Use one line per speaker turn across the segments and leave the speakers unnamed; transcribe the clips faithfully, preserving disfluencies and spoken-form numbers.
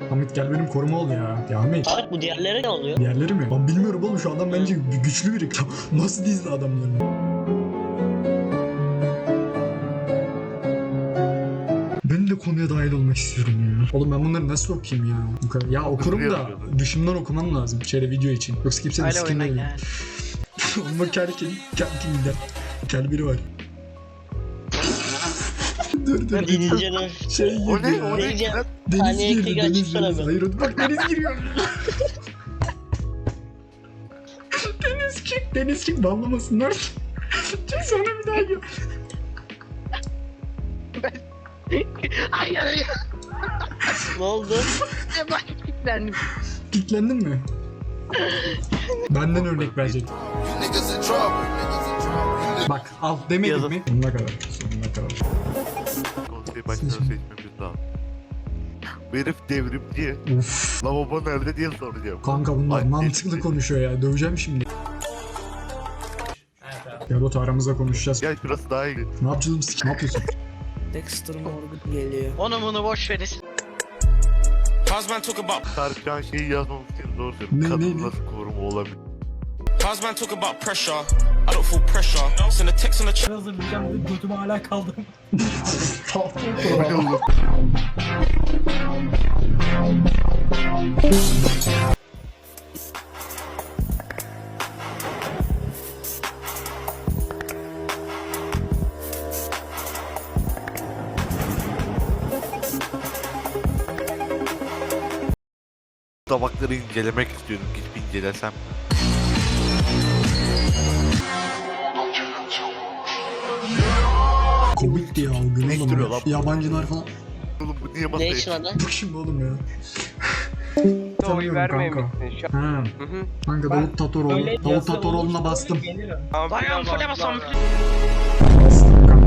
Hamit gel benim koruma ol ya. Ya Hamit.
Tarık bu diğerleri ne oluyor?
Diğerleri mi? Ben bilmiyorum oğlum, şu adam bence güçlü biri. Nasıl dizdi adamlarını? Ben de konuya dahil olmak istiyorum ya. Oğlum ben bunları nasıl okuyayım ya? Bu kadar. Ya okurum da dışımdan okumam lazım şöyle video için. Yoksa kimsenin sikinde yok. Oğlum bak kel kim? Kel kim gider? Kel biri var. dur dur.
Ben İngilizce
Şey gibi
O ne?
ya.
O ne?
İngilizce
Deniz
Saniye
girdi,
iki
deniz,
açıksana
deniz.
be.
Hayır o- bak deniz giriyor. Deniz çık, deniz çık, banlamasınlar. Çık sonra bir daha gir.
Hayır hayır.
Ne oldu?
Ben kilitlendim.
Kitlendin mi? Benden örnek verecek. Bak al demedim
Yazın.
mi? Sonuna kadar, sonuna kadar.
Konsey başkanı seçmemiz lazım. Bu herif devrimci.
Uf.
Lavabo nerede diye soracağım.
Kanka bunlar
Ay,
mantıklı
neyse.
konuşuyor ya. Döveceğim şimdi. Ya Batu aramızda konuşacağız.
Gel şurası daha iyi.
Ne yapacağız biz? Ne yapıyorsun?
Dexter Morgan geliyor.
Onu bunu boş verin.
Husband talk about
Tarık şu an şeyi yazmamız için zor diyorum.
Ne, ne,
Kadın
ne?
nasıl koruma olabilir?
husband talk about pressure. I don't feel pressure. Send a text on the chat.
Hazırlayacağım dedi, götüme hala kaldım.
Tabakları incelemek istiyorum. Gidip incelesem.
Komikti ya o gün
Ne
oğlum.
istiyor
ya.
lan?
Yabancılar falan.
Oğlum bu niye
Ne
masaya
işin adı?
Bu kim oğlum ya?
Oy
Tanıyorum
vermemişsin şu an.
Ha.
Hı hı.
Kanka
Ben
Davut Tatoroğlu.
Öyle
Davut
yazı
Tatoroğlu'na
olursa
bastım.
gelirim.
Dayan fule bas ampule.
Bastım kanka.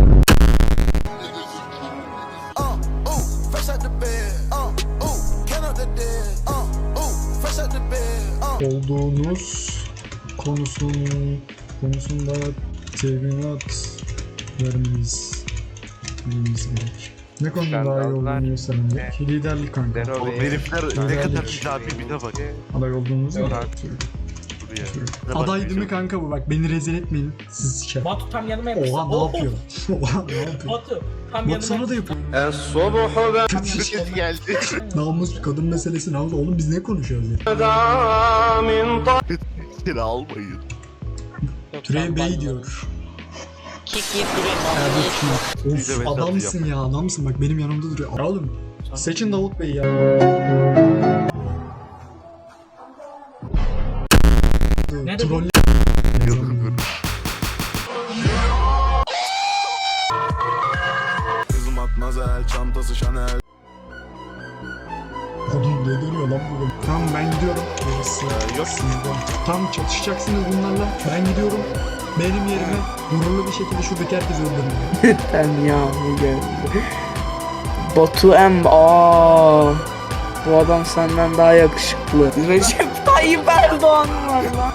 Olduğunuz konusun konusunda teminat vermeniz vermeniz gerek. Ne konuda daha iyi
Skandallar.
olduğunu gösteren
Evet.
liderlik kanka.
Dero
Oğlum
Bey.
herifler ne
Liderlik.
kadar izafi bir de bak.
Aday olduğunuz mu?
Yok.
Buraya. Ne
Aday
bakıyorsun?
değil mi kanka bu? Bak beni rezil etmeyin. Siz siker.
Batu tam yanıma yapıştı.
Oha ne
Oh,
yapıyor? Oha ne yapıyor?
Batu tam
Batu
yanıma
sana da yapıyor.
Herkes geldi.
Namus kadın meselesi namus. Oğlum biz ne konuşuyoruz ya?
Seni almayın.
Yok,
Türev
ben
Bey
banladım.
diyor.
Kick yiyip duruyor.
Erdoğan.
Biz de
Of
mesaj
adamsın ya adamsın bak benim yanımda duruyor. Ya oğlum seçin Davut Bey ya.
Ne dedi?
Troll.
Kızım Matmazel, çantası Chanel.
Oğlum ne dönüyor lan bu? Tamam ben gidiyorum. Gerisi
yok.
sizde. Tam çatışacaksınız bunlarla. Ben gidiyorum. Benim yerime gururlu bir şekilde şuradaki herkesi öldürün.
Ben ya bu geldi. Batu M. Aa, bu adam senden daha yakışıklı. Recep Tayyip Erdoğan var lan.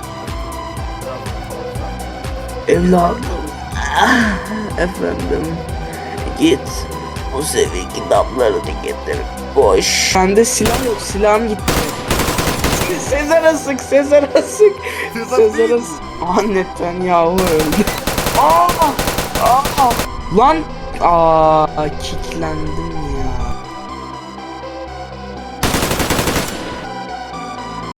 Evladım. Ah, efendim. Git. O seviye kitaplarını getir. Boş. Bende silah yok. Silahım gitti. Sezar'a sık. Sezar'a sık. Sezar'a sık. Ah Netanyahu öldü. Aa! Aa! Lan! Aa! Kicklendim